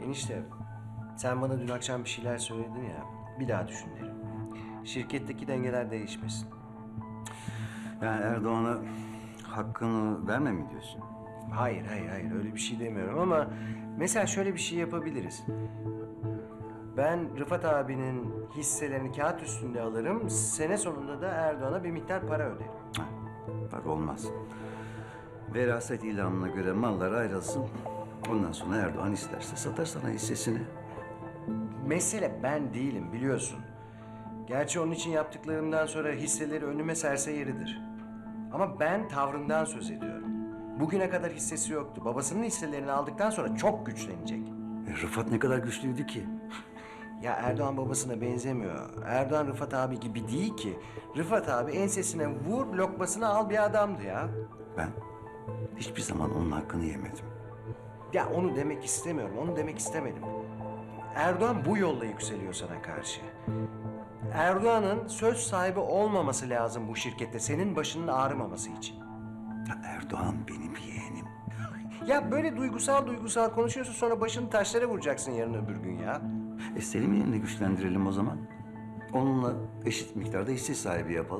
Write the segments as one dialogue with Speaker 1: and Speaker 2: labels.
Speaker 1: Enişte, sen bana dün akşam bir şeyler söyledin ya. Bir daha düşün derim. Şirketteki dengeler değişmesin.
Speaker 2: Yani Erdoğan'a hakkını verme mi diyorsun?
Speaker 1: Hayır, öyle bir şey demiyorum ama mesela şöyle bir şey yapabiliriz. Ben Rıfat abinin hisselerini kağıt üstünde alırım. Sene sonunda da Erdoğan'a bir miktar para öderim.
Speaker 2: Bak olmaz. Veraset ilanına göre mallar ayrılsın. Ondan sonra Erdoğan isterse satar sana hissesini.
Speaker 1: Mesele ben değilim biliyorsun. Gerçi onun için yaptıklarımdan sonra hisseleri önüme serse yeridir. Ama ben tavrından söz ediyorum. Bugüne kadar hissesi yoktu. Babasının hisselerini aldıktan sonra çok güçlenecek.
Speaker 2: Rıfat ne kadar güçlüydü ki?
Speaker 1: Ya Erdoğan babasına benzemiyor. Erdoğan Rıfat abi gibi değil ki. Rıfat abi ensesine vur, lokmasını al bir adamdı ya.
Speaker 2: Ben hiçbir zaman onun hakkını yemedim.
Speaker 1: Ya onu demek istemiyorum, onu demek istemedim. Erdoğan bu yolla yükseliyor sana karşı. Erdoğan'ın söz sahibi olmaması lazım bu şirkette, senin başının ağrımaması için.
Speaker 2: Ya Erdoğan benim yeğenim.
Speaker 1: Ya böyle duygusal konuşuyorsun, sonra başını taşlara vuracaksın yarın öbür gün ya.
Speaker 2: Selim yeğenini güçlendirelim o zaman. Onunla eşit miktarda hisse sahibi yapalım.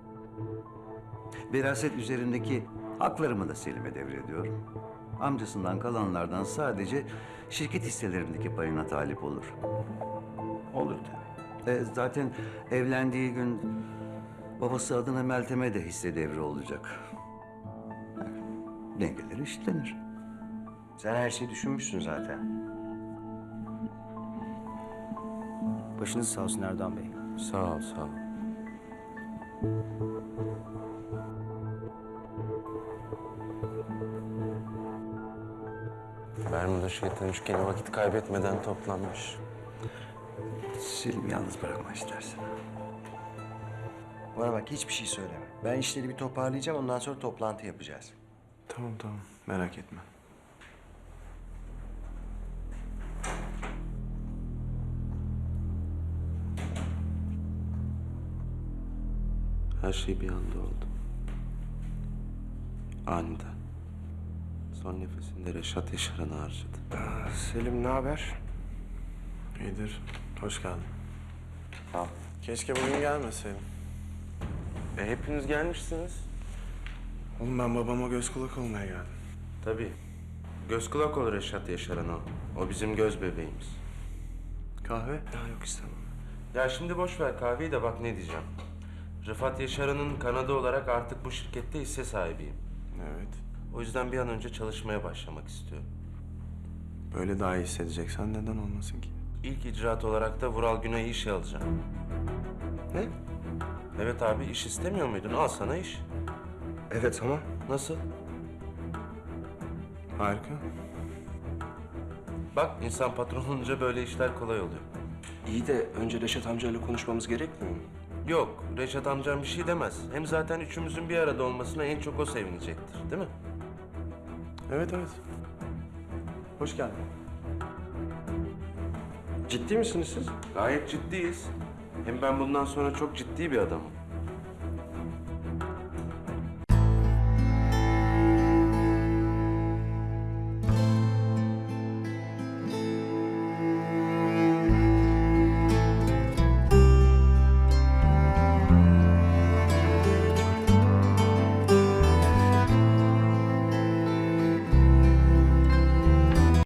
Speaker 2: Veraset üzerindeki haklarımı da Selim'e devrediyorum. Amcasından kalanlardan sadece şirket hisselerindeki payına talip olur.
Speaker 1: Olur tabii.
Speaker 2: Zaten evlendiği gün babası adına Meltem'e de hisse devri olacak. Dengeler eşitlenir.
Speaker 1: Sen her şeyi düşünmüşsün zaten. Başınız sağ olsun Erdoğan Bey.
Speaker 3: Sağ ol, sağ ol. Bermuda şeytan üçgeni vakit kaybetmeden toplanmış.
Speaker 2: Selim'i yalnız bırakma istersen.
Speaker 1: Bana bak, hiçbir şey söyleme. Ben işleri bir toparlayacağım, ondan sonra toplantı yapacağız.
Speaker 3: Tamam, merak etme. Her şey bir anda oldu. Aniden. Son nefesinde Reşat Yaşar'ını harcadı.
Speaker 4: Selim ne haber? İyidir. Hoş geldin.
Speaker 3: Sağ ol.
Speaker 4: Keşke bugün gelmeseydin.
Speaker 3: Hepiniz gelmişsiniz.
Speaker 4: Oğlum ben babama göz kulak olmaya geldim.
Speaker 3: Tabii. Göz kulak ol Reşat Yaşar'ın o. O bizim göz bebeğimiz.
Speaker 4: Kahve? Ya yok istemem.
Speaker 3: Ya şimdi boş ver kahveyi de bak ne diyeceğim. Rıfat Yaşar'ın kanadı olarak artık bu şirkette hisse sahibiyim.
Speaker 4: Evet.
Speaker 3: O yüzden bir an önce çalışmaya başlamak istiyorum.
Speaker 4: Böyle daha iyi hissedeceksen neden olmasın ki?
Speaker 3: İlk icraat olarak da Vural Güney'i işe alacağım.
Speaker 1: Ne?
Speaker 3: Evet abi iş istemiyor muydun? Al sana iş.
Speaker 1: Evet ama
Speaker 3: Nasıl?
Speaker 4: Harika.
Speaker 3: Bak insan patron olunca böyle işler kolay oluyor.
Speaker 5: İyi de önce Reşat amcayla konuşmamız gerekmiyor mu?
Speaker 3: Yok Reşat amcam bir şey demez. Hem zaten üçümüzün bir arada olmasına en çok o sevinecektir değil mi?
Speaker 4: Evet. Hoş geldin.
Speaker 5: Ciddi misiniz siz?
Speaker 3: Gayet ciddiyiz. Hem ben bundan sonra çok ciddi bir adamım.